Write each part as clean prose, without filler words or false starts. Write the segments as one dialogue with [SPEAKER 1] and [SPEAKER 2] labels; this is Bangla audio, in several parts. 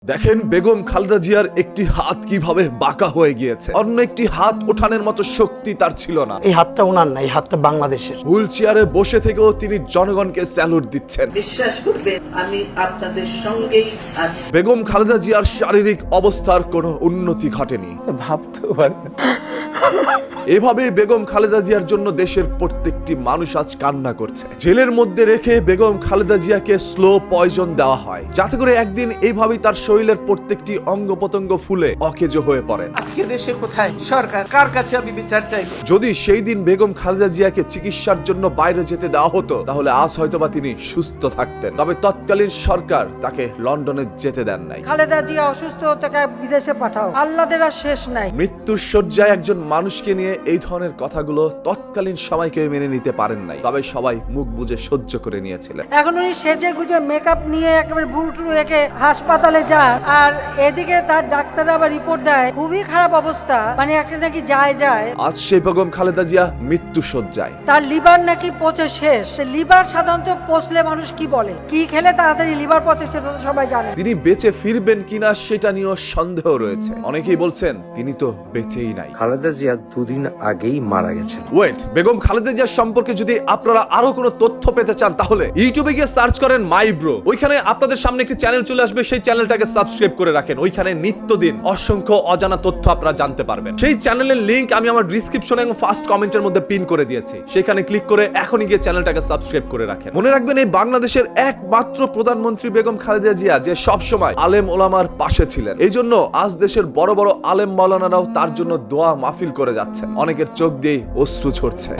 [SPEAKER 1] দেখেন বেগম খালেদা জিয়ার একটি হাত কিভাবে বাঁকা হয়ে গিয়েছে, অন্য একটি হাত ওঠানোর মতো শক্তি তার ছিল না।
[SPEAKER 2] এই হাতটা ওনার না, এই হাতটা বাংলাদেশের।
[SPEAKER 1] হুইল চেয়ারে বসে থেকেও তিনি জনগণকে স্যালুট দিচ্ছেন।
[SPEAKER 3] বিশ্বাস করবেন আমি আপনাদের সঙ্গেই আছি।
[SPEAKER 1] বেগম খালেদা জিয়ার শারীরিক অবস্থার কোনো উন্নতি ঘটেনি।
[SPEAKER 2] ভাবতেও পারি না।
[SPEAKER 1] এভাবে বেগম খালেদা জিয়ার জন্য দেশের প্রত্যেকটি মানুষ আজ কান্না করছে। জেলের মধ্যে রেখে বেগম খালেদা জিয়াকে স্লো পয়জন দেওয়া হয়, যাতে করে একদিন এইভাবেই তার শরীরের প্রত্যেকটি অঙ্গ প্রত্যঙ্গ ফুলে অকেজো হয়ে পড়ে।
[SPEAKER 3] আজকে দেশে কোথায় সরকার, কার কাছে আমি বিচার চাইব?
[SPEAKER 1] যদি সেই দিন বেগম খালেদা জিয়াকে চিকিৎসার জন্য বাইরে যেতে দেওয়া হতো, তাহলে আজ হয়তোবা তিনি সুস্থ থাকতেন। তবে তৎকালীন সরকার তাকে লন্ডনে যেতে দেন নাই।
[SPEAKER 4] খালেদা জিয়া অসুস্থ, তাকে বিদেশে পাঠাও, আল্লাহদের আর শেষ নাই।
[SPEAKER 1] মৃত্যুর শয্যায় একজন মানুষকে নিয়ে এই ধরনের কথাগুলো তৎকালীন সময় কেউ মেনে নিতে পারেন নাই, তবে সবাই মুখ বুজে সহ্য করে নিয়েছিলেন।
[SPEAKER 4] এখন উনি সেজে গুজে মেকআপ নিয়ে একেবারে বুড়ুটুরু একে হাসপাতালে যান, আর এদিকে তার ডাক্তার আবার রিপোর্ট দেয় খুবই খারাপ অবস্থা, মানে একটা নাকি যায়।
[SPEAKER 1] আজ সেই বেগম খালেদা জিয়া মৃত্যু শয্যায়।
[SPEAKER 4] তার লিভার নাকি পচে শেষ। লিভার সাধারণত পচলে মানুষ কি বলে, কি খেলে তাড়াতাড়ি লিভার পচে, সেটা তো সবাই জানে।
[SPEAKER 1] তিনি বেঁচে ফিরবেন কিনা সেটা নিয়েও সন্দেহ রয়েছে। অনেকেই বলছেন তিনি তো বেঁচেই নাই।
[SPEAKER 5] খালেদা জিয়া দুদিন আগেই মারা গেছেন।
[SPEAKER 1] ওয়েট, বেগম খালেদা জিয়ার সম্পর্কে যদি আপনারা আরো কোনো তথ্য পেতে চান, তাহলে ইউটিউবে গিয়ে সার্চ করেন মাই ব্রো। ওইখানে আপনাদের সামনে একটি চ্যানেল চলে আসবে, সেই চ্যানেলটাকে সাবস্ক্রাইব করে রাখেন। ওইখানে নিত্যদিন অসংখ্য অজানা তথ্য আপনারা জানতে পারবেন। সেই চ্যানেলের লিংক আমি আমার ডিসক্রিপশনে এবং ফার্স্ট কমেন্টের মধ্যে পিন করে দিয়েছি। সেখানে ক্লিক করে এখনই গিয়ে চ্যানেলটাকে সাবস্ক্রাইব করে রাখেন। মনে রাখবেন, এই বাংলাদেশের একমাত্র প্রধানমন্ত্রী বেগম খালেদা জিয়া যে সব সময় আলেম ওলামার পাশে ছিলেন। এই জন্য আজ দেশের বড় বড় আলেম মাওলানারাও তার জন্য দোয়া মাহফিল করে যাচ্ছেন। অনেকের চোখ দিয়ে অশ্রু ঝরছে।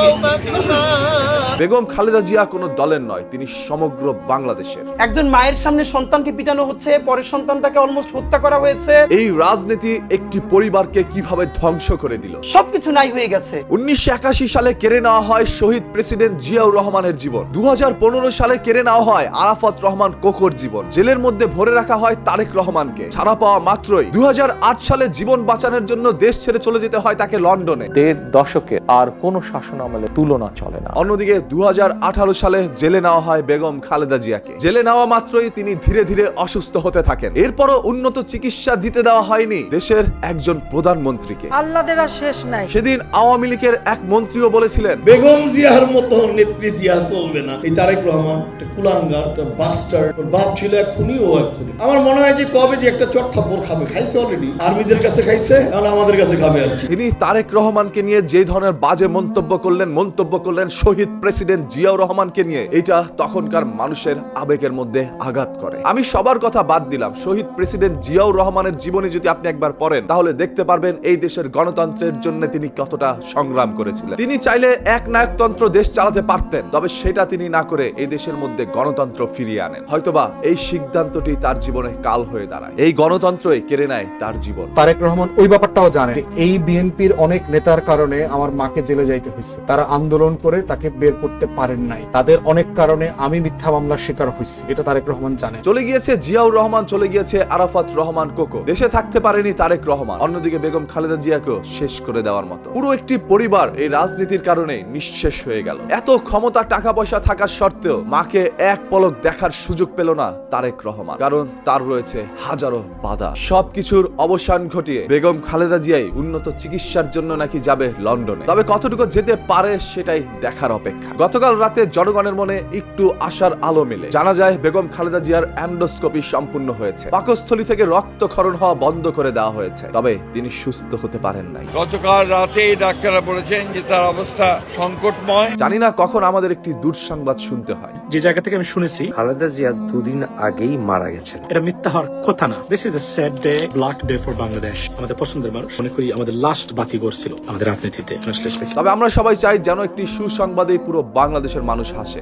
[SPEAKER 1] বেগম খালেদা জিয়া কোনো দলের নয়, তিনি সমগ্র বাংলাদেশের।
[SPEAKER 2] একজন মায়ের সামনে সন্তানকে পিটানো হচ্ছে, পরের সন্তানটাকে অলমোস্ট হত্যা করা হয়েছে।
[SPEAKER 1] এই রাজনীতি একটি পরিবারকে কিভাবে ধ্বংস করে দিল।
[SPEAKER 2] সবকিছু নাই হয়ে গেছে।
[SPEAKER 1] 1981 সালে কেড়ে নেওয়া হয় শহীদ প্রেসিডেন্ট জিয়াউর রহমানের জীবন। 2015 সালে কেড়ে নেওয়া হয় আরাফাত রহমান কোকোর জীবন। জেলের মধ্যে ভরে রাখা হয় তারেক রহমানকে। ছাড়া পাওয়া মাত্রই 2008 সালে জীবন বাঁচানোর জন্য দেশ ছেড়ে চলে যেতে হয় তাকে লন্ডনে।
[SPEAKER 6] 1.5 দশকে আর কোন শাসন আমলে তুলনা চলে না।
[SPEAKER 1] অন্যদিকে 2018 সালে জেলে নেওয়া হয় বেগম খালেদা জিয়াকে। জেলে নেওয়া মাত্রই তিনি ধীরে ধীরে অসুস্থ হতে থাকেন। এরপরও উন্নত চিকিৎসা দিতে দেওয়া হয়নি দেশের একজন প্রধানমন্ত্রীকে।
[SPEAKER 4] আল্লাহদের আর শেষ নাই।
[SPEAKER 1] সেদিন আওয়ামী লীগের এক মন্ত্রীও বলেছিলেন,
[SPEAKER 7] বেগম জিয়ার মতো নেত্রী দিয়া চলবে না। এই তারেক রহমান একটা কুলাঙ্গার, একটা বাস্টার্ড। ওর বাপ ছিল এক খুনি, ও এক খুনি। আমার মনে হয় যে কবে যে একটা চট থাপ্পড় খাবে, খাইছে অলরেডি, আর্মিদের কাছে খাইছে, এখন আমাদের কাছে খাবে আর কি।
[SPEAKER 1] তিনি তারেক রহমানকে নিয়ে যে ধরনের বাজে মন্তব্য করলেন শহীদ প্রেসিডেন্ট জিয়াউর রহমানকে নিয়ে, এটা তখনকার মানুষের আবেগের মধ্যে আঘাত করে। আমি সবার কথা বাদ দিলাম, শহীদ প্রেসিডেন্ট জিয়াউর রহমানের জীবনী যদি আপনি একবার পড়েন, তাহলে দেখতে পারবেন এই দেশের গণতন্ত্রের জন্য তিনি কতটা সংগ্রাম করেছিলেন। তিনি চাইলে এক নায়কতন্ত্র দেশ চালাতে পারতেন, তবে সেটা তিনি না করে এই দেশের মধ্যে গণতন্ত্র ফিরিয়ে আনেন। হয়তোবা এই সিদ্ধান্তটি তার জীবনে কাল হয়ে দাঁড়ায়। এই গণতন্ত্রই কেড়ে নেয় তার জীবন।
[SPEAKER 8] তারেক রহমান ওই ব্যাপারটাও জানে যে এই বিএনপির অনেক নেতার কারণে আমার মাকে জেলে যাইতে হয়েছে। তারা আন্দোলন করে তাকে বের করতে পারেন নাই। তাদের অনেক কারণে আমি মিথ্যা মামলার শিকার হয়েছি, এটা তারেক রহমান জানে।
[SPEAKER 1] চলে গিয়েছে জিয়াউর রহমান, চলে গিয়েছে আরাফাত রহমান কোকো। দেশে থাকতে পারেনি তারেক রহমান। অন্যদিকে বেগম খালেদা জিয়াকেও শেষ করে দেওয়ার মতো পুরো একটি পরিবার এই রাজনীতির কারণে নিঃশেষ হয়ে গেল। এত ক্ষমতা, টাকা পয়সা থাকার সত্ত্বেও মাকে এক পলক দেখার সুযোগ পেল না তারেক রহমান, কারণ তার রয়েছে হাজারো বাধা। সবকিছুর অবসান ঘটিয়ে বেগম খালেদা জিয়াই উন্নত চিকিৎসার জন্য নাকি যাবে লন্ডনে। তবে কতটুকু যেতে পারে সেটাই দেখার অপেক্ষা। গতকাল রাতে জনগণের মনে একটু আশার আলো মেলে। জানা যায় বেগম খালেদা জিয়ার এন্ডোস্কোপি সম্পূর্ণ হয়েছে। পাকস্থলী থেকে রক্তক্ষরণ হওয়া বন্ধ করে দেওয়া হয়েছে, তবে তিনি সুস্থ হতে পারেন নাই।
[SPEAKER 9] গতকাল রাতেই ডাক্তাররা বলেছেন যে তার অবস্থা সংকটময়।
[SPEAKER 1] জানি না কখন আমাদের একটি দুঃসংবাদ শুনতে হয়।
[SPEAKER 2] যে জায়গা থেকে আমি শুনেছি
[SPEAKER 5] খালেদা জিয়া দুদিন আগেই মারা গেছেন।
[SPEAKER 2] এটা মিথ্যা হওয়ার কথা না। This is a sad day, black day for Bangladesh. আমাদের পছন্দের মানুষ, মনে করি আমাদের লাস্ট বাতিঘর ছিল আমাদের রাজনীতিতে।
[SPEAKER 1] তবে আমরা সবাই চাই যেন একটি সুসংবাদে পুরো বাংলাদেশের মানুষ হাসে।